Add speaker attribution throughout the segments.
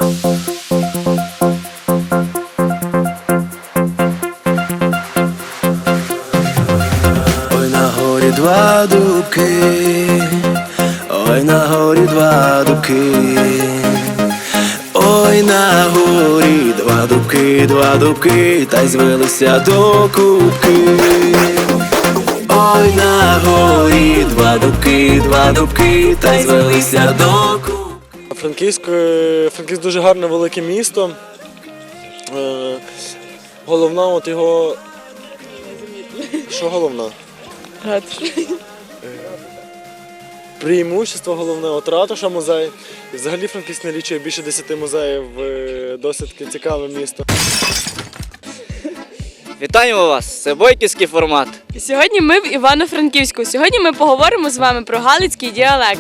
Speaker 1: Ой, на горі два дубки, ой, на горі два дубки, ой, на горі два дубки, та й звелися до кубки. Ой, на горі два дубки, та й звелися до кубки.
Speaker 2: Франківськ дуже гарне велике місто. Головна от його... Що головне? Преимущество головне, от ратуша музей. І взагалі Франківськ налічує більше 10 музеїв, досить цікаве місто.
Speaker 3: Вітаємо вас! Це бойківський формат.
Speaker 4: Сьогодні ми в Івано-Франківську. Сьогодні ми поговоримо з вами про галицький діалект.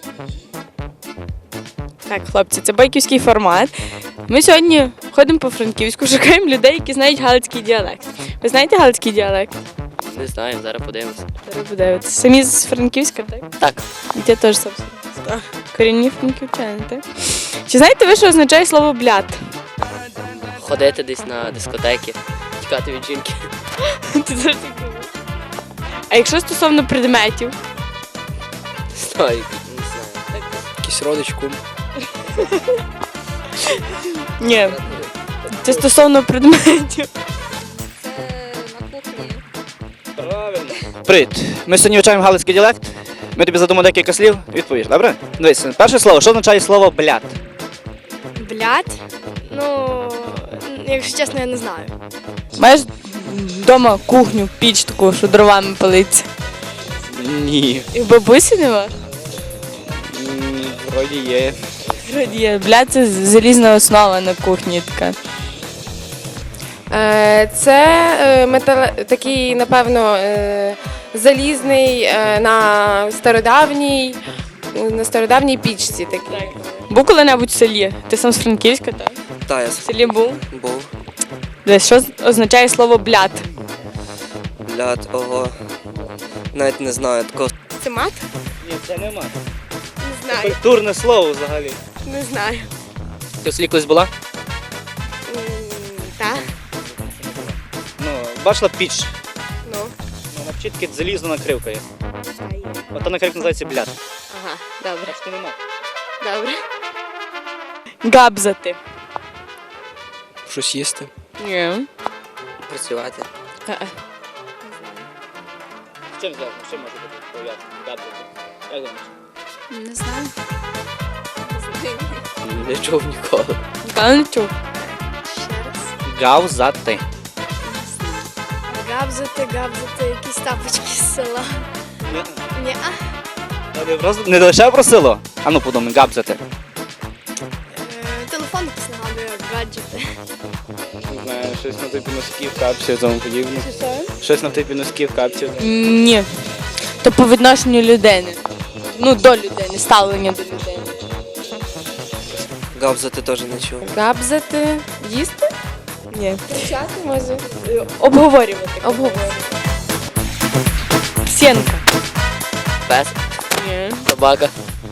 Speaker 4: Так, хлопці, це бойківський формат. Ми сьогодні ходимо по Франківську, шукаємо людей, які знають галицький діалект. Ви знаєте галицький діалект?
Speaker 3: Не знаю, зараз подивимося.
Speaker 4: Зараз подивитися. Самі з Франківська, так?
Speaker 3: Так.
Speaker 4: І я теж сам з Франківська. Корінні франківчани, так? Чи знаєте ви, що означає слово «блят»?
Speaker 3: Ходити десь на дискотеки, тікати від жінки.
Speaker 4: Ти завжди думаєш. А якщо стосовно предметів?
Speaker 3: Знаю, не знаю. Якийсь родич, кум.
Speaker 4: Ні. Це стосовно предметів.
Speaker 3: Правильно. Привіт. Ми сьогодні вивчаємо галицький діалект. Ми тобі задамо декілька слів, відповіш, добре? Дивись, перше слово, що означає слово «блят»?
Speaker 5: Блядь? Ну, якщо чесно, я не знаю.
Speaker 4: Маєш вдома кухню, піч таку, що дровами палиться?
Speaker 3: Ні.
Speaker 4: І в бабусі нема?
Speaker 3: Вроді є.
Speaker 4: Вроді є. Блядь, це залізна основа на кухні така.
Speaker 6: Це такий, напевно, залізний на стародавній пічці такий.
Speaker 4: Був коли-небудь в селі? Ти сам з Франківська, так?
Speaker 7: Та, я
Speaker 4: В селі був?
Speaker 7: був.
Speaker 4: Десь, що означає слово «блят»?
Speaker 7: Блядь, ого. Навіть не знаю такого.
Speaker 6: Це мат?
Speaker 3: Ні, це нема.
Speaker 6: Не знаю.
Speaker 3: Культурне слово взагалі.
Speaker 6: Не знаю.
Speaker 3: Ти в селі колись була?
Speaker 6: Так?
Speaker 3: Ну, бачила піч.
Speaker 6: Ну.
Speaker 3: На вчитки залізна накривка є. Ота накривка називається «блят».
Speaker 6: Ага, добре.
Speaker 3: Так що нема.
Speaker 6: Добре.
Speaker 4: Габзати.
Speaker 7: Щось їсти.
Speaker 4: Ні.
Speaker 7: Працювати.
Speaker 3: Чим зв'язано? Чим може бути пов'язано? Габзати. Як думаєш?
Speaker 5: Не знаю.
Speaker 7: Не чув ніколи.
Speaker 4: Ніколи не чув.
Speaker 5: Ще раз.
Speaker 3: Гавзати.
Speaker 5: Габзати, якісь тапочки з села. Ні.
Speaker 3: Не лише про село. А ну подумай, габзати.
Speaker 5: Телефон якийсь нагадує, гаджети.
Speaker 2: Не знаю, щось на типі носків, капців, тому подібне. Щось на типі носків, капців.
Speaker 4: Ні. То по відношенню людини. Ну, до людини, ставлення до людини.
Speaker 7: Габзати теж не чув.
Speaker 6: Габзати. Їсти?
Speaker 4: Ні.
Speaker 6: Кричати, може?
Speaker 4: Обговорювати.
Speaker 6: Обговорювати.
Speaker 4: Псенка.
Speaker 3: Пес.
Speaker 4: Ні.
Speaker 3: Собака.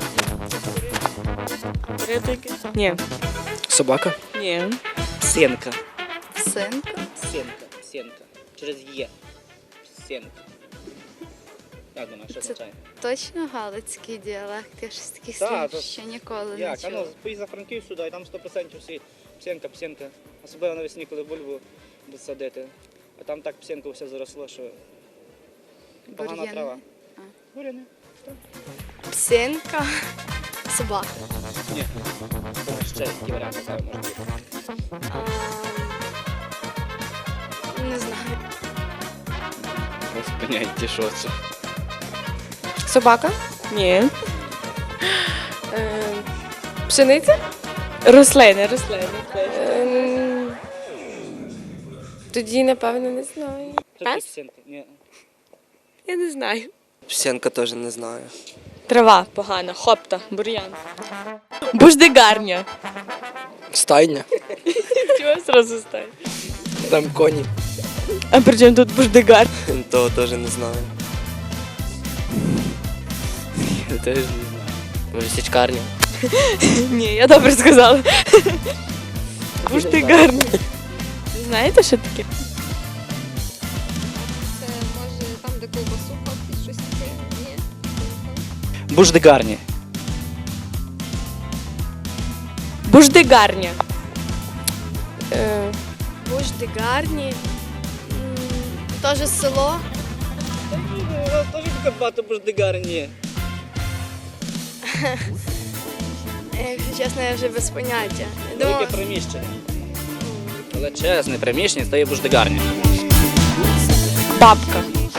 Speaker 4: Ні.
Speaker 7: Собака?
Speaker 4: Ні.
Speaker 3: Псенка.
Speaker 5: Синка.
Speaker 3: Псенка. Через «є». Псенка. Як думаєш, що означає?
Speaker 5: Точно галицький діалект. Я щось таких
Speaker 3: Так,
Speaker 5: слів
Speaker 3: то-
Speaker 5: ще ніколи не
Speaker 3: Як? А ну,
Speaker 5: чула.
Speaker 3: поїдь за Франків сюди, і там 100% всі псенка. Особливо навесні, коли бульбу будуть садити. А там так псенка все заросло, що погана
Speaker 5: Бур'яни.
Speaker 3: трава.
Speaker 5: А.
Speaker 3: Бур'яни.
Speaker 5: Псинка. Собака.
Speaker 3: Ні. Думаю, ще які варіанти там можуть бути.
Speaker 5: Не знаю.
Speaker 3: Без поняття, що це.
Speaker 6: Собака?
Speaker 4: Ні.
Speaker 6: Пшениця?
Speaker 4: Рослини.
Speaker 6: Тоді, напевно, не знаю.
Speaker 3: Що таке
Speaker 6: Пес?
Speaker 3: псенка? Ні.
Speaker 6: Я не знаю.
Speaker 7: Псенка теж не знаю.
Speaker 4: Трава погана, хопта, бур'ян. Буждигарня.
Speaker 7: Стайня.
Speaker 4: Чого зразу стає?
Speaker 7: Там коні.
Speaker 4: А при чому тут буждигар?
Speaker 7: Того теж не знаю.
Speaker 3: Я теж не знаю. Може, січкарня?
Speaker 4: Ні, я добре сказала. Буштигарня. Знаєте, що таке?
Speaker 6: Це може там, де ковбасу ходить, щось таке? Ні.
Speaker 8: Буждигарні.
Speaker 4: Буштигарня.
Speaker 5: Буждигарні. Теж село.
Speaker 3: У нас теж таке багато буждигарні.
Speaker 5: Якщо чесно, я вже без поняття. Я думала,
Speaker 3: Велике приміщення. Величезне приміщення, це є буждигарня.
Speaker 4: Бабка.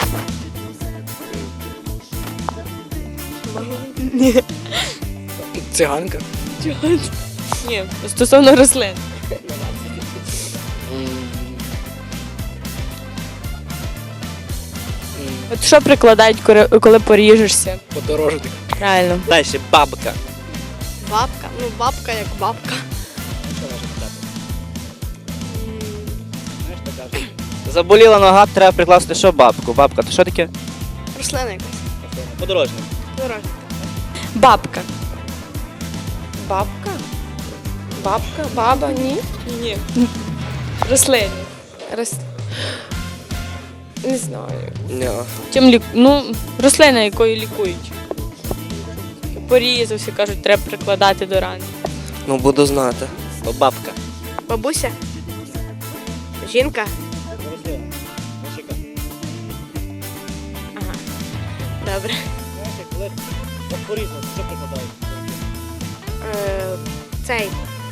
Speaker 4: Ні.
Speaker 7: Циганка.
Speaker 4: Ні, стосовно рослин. От що прикладають, коли поріжешся?
Speaker 7: Подорожник.
Speaker 4: Правильно.
Speaker 8: Далі бабка.
Speaker 5: бабка. Ну, бабка як бабка.
Speaker 3: Знаєш, так кажуть.
Speaker 8: Заболіла нога, треба прикласти що бабку. Бабка, то що таке?
Speaker 5: Рослина якась.
Speaker 3: Подорожник.
Speaker 5: Дорога.
Speaker 4: Бабка.
Speaker 6: Бабка? Бабка? Баба? Ні.
Speaker 4: Ні. Рослини.
Speaker 6: Рос... Не знаю.
Speaker 7: Ні.
Speaker 4: Ну, рослина, якою лікують. Порізався, кажуть, треба прикладати до рани.
Speaker 7: Ну, буду знати.
Speaker 8: Бабка.
Speaker 5: Бабуся. Жінка.
Speaker 3: Рослина. Почекай.
Speaker 5: Ага. Добре.
Speaker 3: Знаєш, як коли порізно, що прикладають?
Speaker 5: Цей.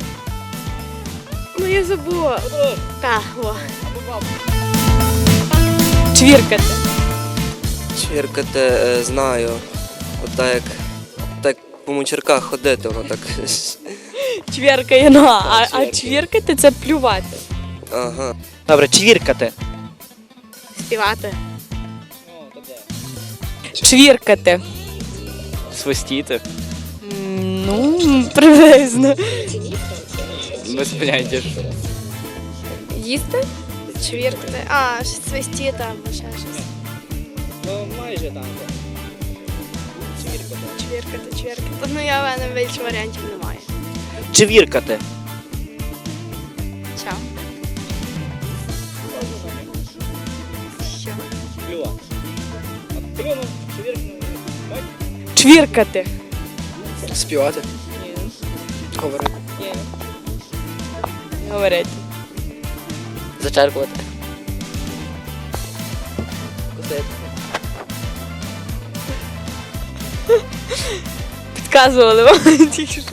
Speaker 5: Ну, я забула.
Speaker 3: Подорожник.
Speaker 5: Так, о.
Speaker 3: Або бабка.
Speaker 4: Чвіркати.
Speaker 7: Чвіркати знаю. Так по мучерках ходити, воно так.
Speaker 4: Чвіркає нога. А
Speaker 3: чвіркає.
Speaker 4: чвіркати це плювати.
Speaker 7: Ага.
Speaker 8: Добре, чвіркати.
Speaker 5: Співати.
Speaker 3: Ну, то де?
Speaker 4: Чвіркати.
Speaker 8: Свистіти.
Speaker 4: Ну, приблизно.
Speaker 8: Без поняття.
Speaker 6: Їсти?
Speaker 5: Чвіркати. А, щось свисті там, ще щось.
Speaker 3: Ну, майже там. Чвірка.
Speaker 5: Чвіркати. Ну, я в мене більше варіантів немає.
Speaker 8: Чвіркати.
Speaker 5: Чао. Що?
Speaker 3: Плювати. От плюнув, чвіркнув. Бач?
Speaker 4: Чвіркати.
Speaker 7: Співати. Говорити.
Speaker 4: Говорити.
Speaker 7: Зачеркувати. Кусити.
Speaker 4: Підказували вам тільки що.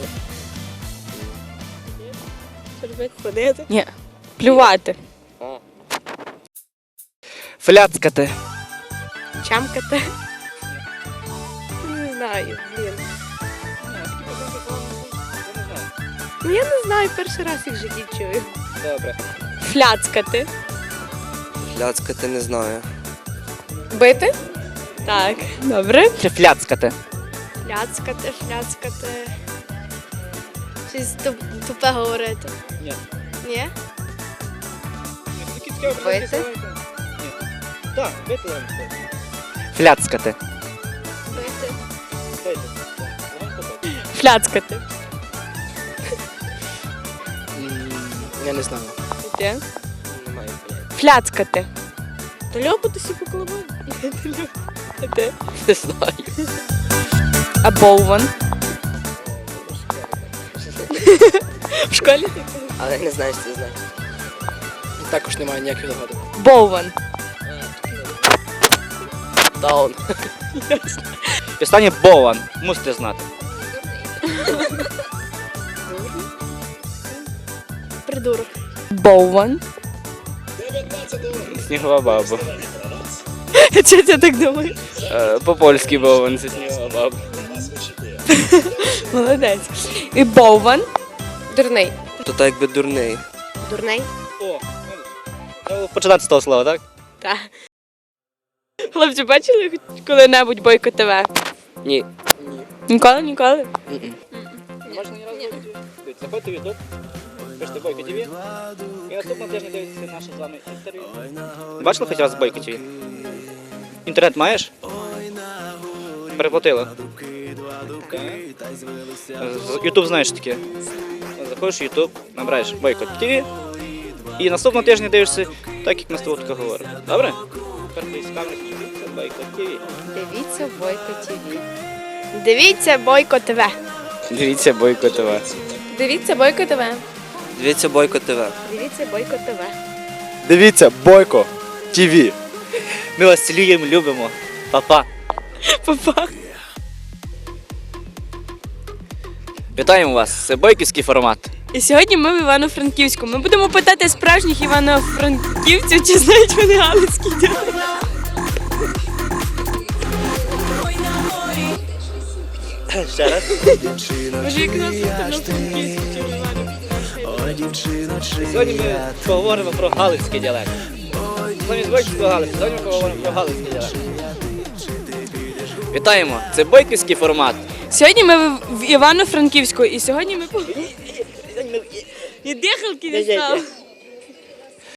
Speaker 5: Ходити.
Speaker 4: Ні. Плювати.
Speaker 8: Фляцкати.
Speaker 5: Чамкати. Не знаю, блін. Ну, я не знаю, перший раз їх в житті чую.
Speaker 3: Добре.
Speaker 4: Фляцкати.
Speaker 7: Ляцкати не знаю.
Speaker 6: Бити?
Speaker 4: Так. Добре.
Speaker 8: Чи фляцкати.
Speaker 5: Фляцкати. Щось тупе говорити.
Speaker 3: Ні.
Speaker 5: Ні?
Speaker 6: Бити?
Speaker 3: Ні. Так, бити вам це.
Speaker 8: Фляцкати.
Speaker 5: Бити.
Speaker 3: Бити. Легонько бити.
Speaker 4: Фляцкати.
Speaker 7: Я не знаю.
Speaker 4: Де?
Speaker 7: Немає.
Speaker 4: Фляцкати. То льопатися по колобам. Де?
Speaker 7: Не знаю.
Speaker 4: А боуван. В школі?
Speaker 7: Але не знаю, що це знаю. Також немає ніяких догадок.
Speaker 4: Боуван.
Speaker 7: Даун.
Speaker 8: І останнє бован. Мусите знати.
Speaker 5: Придурок.
Speaker 4: Боуван.
Speaker 8: Снігова баба.
Speaker 4: Чого ти так думаєш?
Speaker 8: По-польськи бован, це снігова баба.
Speaker 4: Молодець. І боуван.
Speaker 6: Дурний.
Speaker 7: То так якби дурний.
Speaker 5: Дурний.
Speaker 3: О,
Speaker 8: Треба починати з того слова, так?
Speaker 4: Так. Хлопці, бачили хоч коли-небудь Бойко ТВ?
Speaker 7: Ні.
Speaker 4: Ніколи, ніколи?
Speaker 3: можна ні разу не бачити. Заходьте в YouTube, пишете Бойко ТВ. І наступного тижня дивитися наше з вами інтерв'ю.
Speaker 8: Бачила хоч раз Бойко ТВ? Інтернет маєш? Переплатила.
Speaker 3: Ютуб знаєш таке. Заходиш в Ютуб, набираєш Бойко ТВ і наступного тижня дивишся так, як ми з тобою таке говоримо. Добре? Тепер ти з камери дивіться Бойко ТВ.
Speaker 6: Дивіться Бойко ТВ.
Speaker 4: Дивіться Бойко ТВ.
Speaker 8: Дивіться Бойко ТВ.
Speaker 4: Дивіться Бойко ТВ.
Speaker 7: Дивіться Бойко ТВ.
Speaker 6: Дивіться Бойко ТВ.
Speaker 2: Дивіться Бойко ТВ.
Speaker 3: Ми вас цілуємо, любимо. Па-па.
Speaker 4: Па-па.
Speaker 8: Вітаємо вас, це бойківський формат.
Speaker 4: І сьогодні ми в Івано-Франківську. Ми будемо питати справжніх івано-франківців, чи знають вони галицький діалект.
Speaker 3: Ще раз.
Speaker 4: Може, як нас Івано-Франківську чи в Івано-Франківську.
Speaker 3: Сьогодні ми поговоримо про галицький діалект. Замість бойківського Галицького, сьогодні ми поговоримо про галицький діалект.
Speaker 8: Вітаємо, це бойківський формат.
Speaker 4: Сьогодні ми в Івано-Франківську, і сьогодні ми... І дихалки не стало.